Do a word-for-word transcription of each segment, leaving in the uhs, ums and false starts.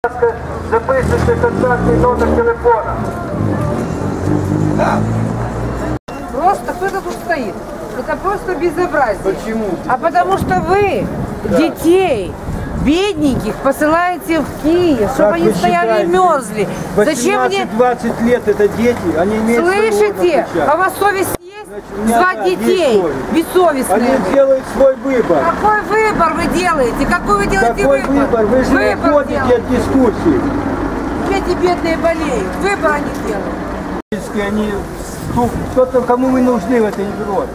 Записывайте контактный номер телефона. Просто кто-то тут стоит. Это просто безобразие. Почему? А потому что вы да. детей бедненьких посылаете в Киев, чтобы они стояли и мерзли. Зачем мне... двадцать лет это дети, они имеют... Слышите? А у вас совесть есть? Звать детей бессовестные. Они делают свой выбор. Какой выбор вы делаете? Какой вы делаете Какой выбор? выбор? Вы же не уходите от дискуссии. Эти бедные болеют. Выбор они делают. Они... Кто-то, кому мы нужны в этой Европе?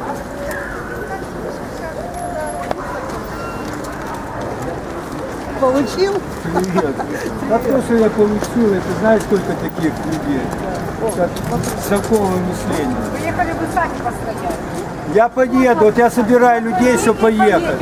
Получил? Привет. А то, что я получил, это знаешь, сколько таких людей? Такого мышления. Поехали бы сами постоять. Я поеду, вот я собираю людей, чтобы поехать.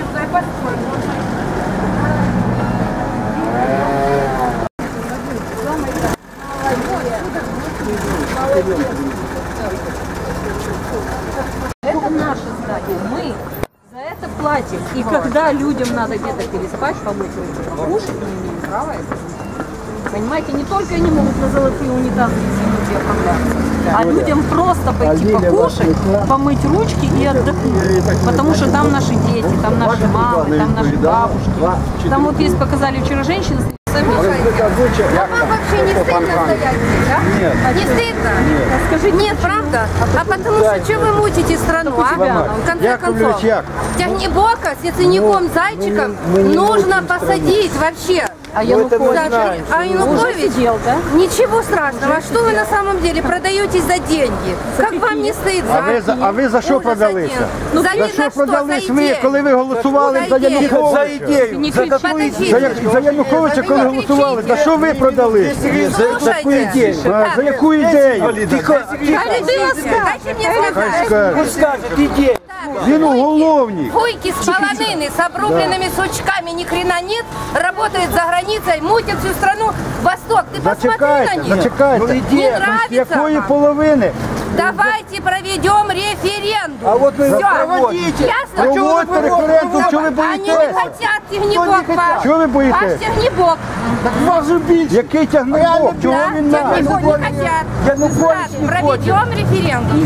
Это наше здание. Мы за это платим. И когда людям надо где-то переспать, помыть руки, покушать, мы имеем право это сделать. Понимаете, не только они могут на золотые унитазы извинуть и оправдаться, а людям просто пойти покушать, помыть ручки и отдохнуть. Потому что там наши дети, там наши мамы, там наши бабушки. Там вот есть, показали вчера женщины. А вам вообще не стыдно стоять здесь, а? Нет. Не стыдно? Нет. Скажи, нет, правда? А потому что что вы мучите страну, а? В конце концов. Тягнебока с яценюком Зайчиком нужно посадить вообще. А Янукович, а Янукович сидел, да? Ничего страшного. А что вы на самом деле продаетесь за деньги? Как вам не стыдно? А ви, за- а ви за що продалися? Ну, За що продались ви, коли ви голосували за За ідею. Януковича? За ідею. За таку Подождите. За, Я- за Януковича, коли голосували, за що ви продались? За таку ідею. А, за яку ідею? Тихо, тихо. Дайте мне сказать. Скажи. Пусть скажет, идея. Він уголовник. Фуйки с полонины, с обрубленными сучками, ни хрена нет, работает за границей, мутит всю страну. Восток, ты посмотри на Зачекайте, них. зачекайте. Не нравится Якої вам? половини? Давайте проведем референдум. А вот вы Всё. проводите. Ясно? Проводьте референдум, що ви Они не боїтеся? хотят тягнебок ваш. Чого ви Ваш боїтеся? тягнебок. Який тягнебок? Чого Да, він надо? тягнебок не хотят. Янукович не хочет. Проведем референдум.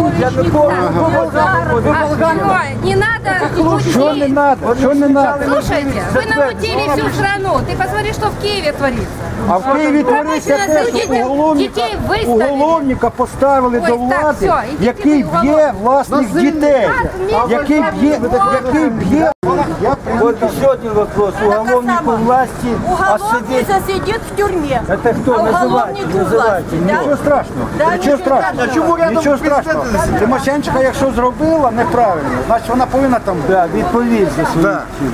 Ой, не надо Що не мутить. надо? Що не надо? Слушайте, вы намутили всю страну. Ты посмотри, что в Киеве творится. А в Києві твориться те, що Дітей уголовника, виставили. уголовника поставили Ой, до так, влади, все, ідіть який ви в б'є уголовник. власних дітей, Так, який б'є, який б'є. Я Вот еще один вопрос. Уголовнику власти, а Уголовник совет... сидит в тюрьме. Это кто? А Называйте, уголовник у называйте. власти, да? Нічого страшного, Да, нічого нічого страшного, страшного. нічого страшного. Тимошенко, якщо зробила неправильно, значить вона повинна там бути. Да, відповідь за свої Да. вчинки.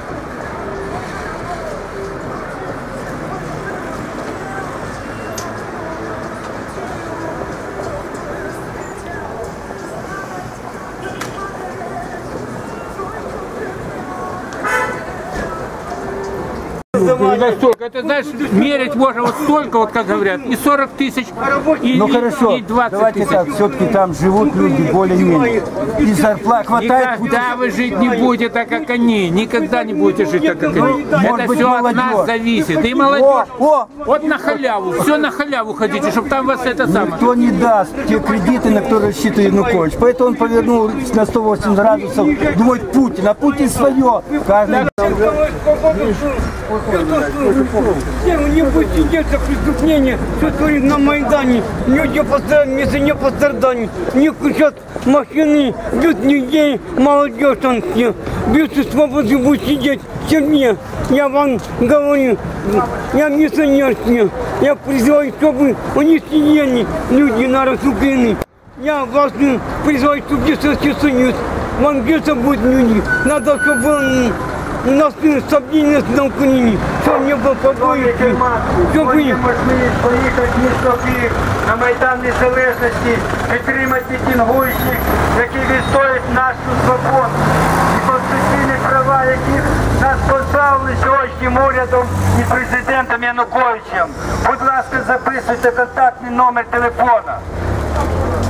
Не настолько. Это, знаешь, мерить можно вот столько, вот как говорят, и сорок тысяч, и, Ну и- хорошо, и двадцать давайте тысяч. так, все-таки там живут люди более-менее. И зарплат хватает. Никогда вы жить не будете так, как они. Никогда не будете жить так, как они. Может Это быть, все от молодежь. нас зависит. И О, молодежь. о, Вот на халяву. Все на халяву хотите, чтобы там вас это самое. никто не даст те кредиты, на которые рассчитывает Янукович. Поэтому он повернул на сто восемьдесят градусов, думает Путин, а Путин свое. Каждый... Не будет сидеть за преступление, что творит на Майдане. Люди пострадали, вместо не пострадали. Не кричат машины, бьют людей, молодежь там все. Бьют и свободы будут сидеть в тюрьме. Я вам говорю, я миссионерский. Я призываю, чтобы они сидели, люди народ Украины. Я вас призываю, чтобы не Советский Союз. Вам где-то будут люди. Надо, чтобы он... У нас стабільність на Україні, щоб не було побоїв, щоб ви... можливість поїхати в місто Київ на Майдан Незалежності, підтримати мітингуючих, які відстоюють нашу свободу і конституційні права, яких нас позбавили сьогоднішнім урядом і президентом Януковичем. Будь ласка, записуйте контактний номер телефона.